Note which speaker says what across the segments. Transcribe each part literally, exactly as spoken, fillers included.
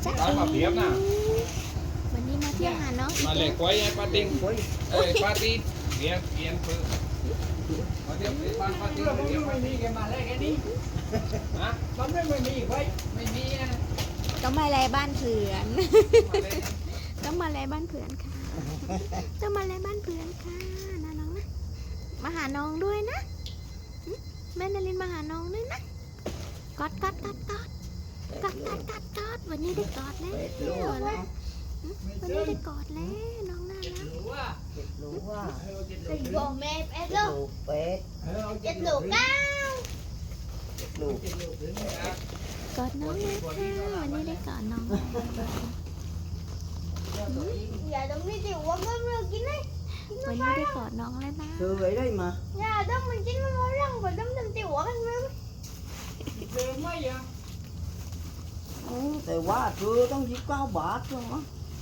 Speaker 1: จ๊ะ
Speaker 2: ร้านมาเปียบนะ
Speaker 1: วันนี้มาเที่ยวหาน้องอี
Speaker 2: มา
Speaker 1: ก
Speaker 2: เล
Speaker 1: แล้
Speaker 2: ยว กล้วยไอ้ปาติงเอ้ยปาติเปียบเปียนเพื่อมาเดี๋ยวไปบ้านปาติง
Speaker 3: เรื่อง
Speaker 2: เดี๋ยว
Speaker 3: ไม่
Speaker 2: ไป
Speaker 3: มีแกมาแล้วแค่นี้
Speaker 2: ฮะ
Speaker 3: มันไม่ไม่มีไว้ไม่มีนะ
Speaker 1: ต้องมาแลบ้านเพื่อน
Speaker 2: มาเลย
Speaker 1: ต้องมาแลบ้านเพื่อนค่ะต้องมาแลบ้านเพื่อนค่ะนะน้องนะมาหาน้องด้วยนะหึแม่นารินมาหาน้องด้วยนะกอดกอดกอดกอดกอดกอดกอดกอดวันนี้ได้กอดแล้วนะหึวันนี้ได้กอดแล้วน้องน่ารัก
Speaker 3: รู้ว่า
Speaker 4: รู้ว่า
Speaker 3: เออเจ็ด
Speaker 5: Tình
Speaker 3: ลูก
Speaker 5: bồ mẹ bé
Speaker 4: ลู
Speaker 5: luôn
Speaker 4: กเป็ด
Speaker 3: เออเอาเจ็ด
Speaker 5: Chết
Speaker 3: ลูก
Speaker 5: lục cao
Speaker 4: ลูก
Speaker 3: เจ็ดลูกถึงเนี่ย
Speaker 1: กอดน้องเลยค่ะวันนี้ได้กอดน้องแล้ว
Speaker 5: Giờ đúng đi tiểu quá ngâm rồi kín đấy
Speaker 1: วันนี้ได้กอดน้องแล้วนะ
Speaker 4: คือไอ้đây mà
Speaker 5: Giờ đúng mình chín nó mối răng và đúng mình tiểu quá anh mơ
Speaker 3: เจอไหมอ่ะ
Speaker 4: ừ,แต่ว่าคือต้องยิบเก้าบาทใช่ไหม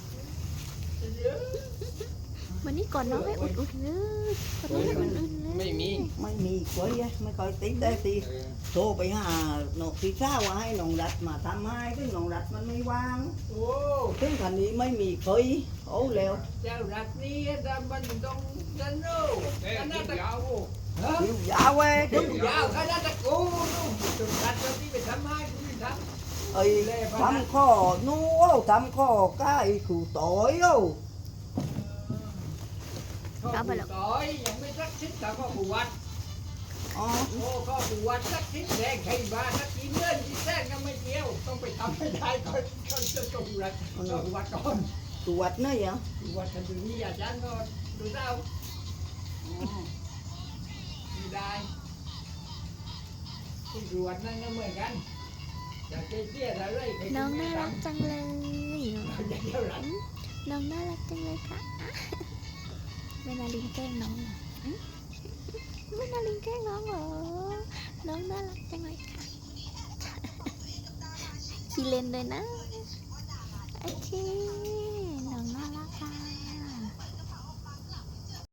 Speaker 1: วันนี้กอดน้องให้อุ่นๆเลยกอดน้องให้อุ่นๆเลย
Speaker 2: ไม่มี
Speaker 4: ไม่มีกล้วยอะไม่ค่อยติดได้ที
Speaker 2: เออ
Speaker 4: โทรไปหาหนกที่เช้าว่าให้หนองรัดมาทำให้ซึ่งหนองรัดมันไม่ว่าง
Speaker 3: โอ้
Speaker 4: ซึ่งคันนี้ไม่มีเคยโอ้แล้ว
Speaker 3: เจ้ารักนี้ดำมันต้องดันโน่
Speaker 2: เอ้ย
Speaker 3: ขนา
Speaker 2: กิ
Speaker 3: ด
Speaker 2: น
Speaker 3: ตะ
Speaker 2: ยาว
Speaker 3: ฮะ
Speaker 4: คิวยาวเว้ย
Speaker 3: คิวยาวขนาดตะกูนู่นจุดรัดเราที่ไปทำให้กูไม่ท
Speaker 4: ไอ้ทำข้อนู้ทำข้อใกล้ขู่ต่อยโอ้
Speaker 3: ำข้อผู้ต่อยยังไม่สักชิ้นแต่ข้อผู้วัด
Speaker 4: อ๋อ
Speaker 3: โอ้ข้อผู้วัดสักชิ้นแดงใครบ้านสักชิ้นเลื่อนชิ้นแท้ก็ไม่เกี่ยวต้องไปทำให้ได้ก่อนก่อนจะตรงรัดข้อผู้วัดก่อน
Speaker 4: ตรวจเนยเหรอ
Speaker 3: ผู้วัดกันดูนี่อาจารย์ก็ดูเจ้าไม่ได้ที่ตรวจนั่นก็เหมือนกันจะเตี้ยๆอะไร
Speaker 1: น้องน่ารักจังเลย
Speaker 3: จะเท่าไหร่
Speaker 1: น้องน่ารักจังเลยค่ะแม่นาลินแกล้งน้องเหรออืมแม่นาลินแกล้งน้องเหรอ น้องน่ารักจังเลยค่ะ ขี้เล่นเลยนะ โอเค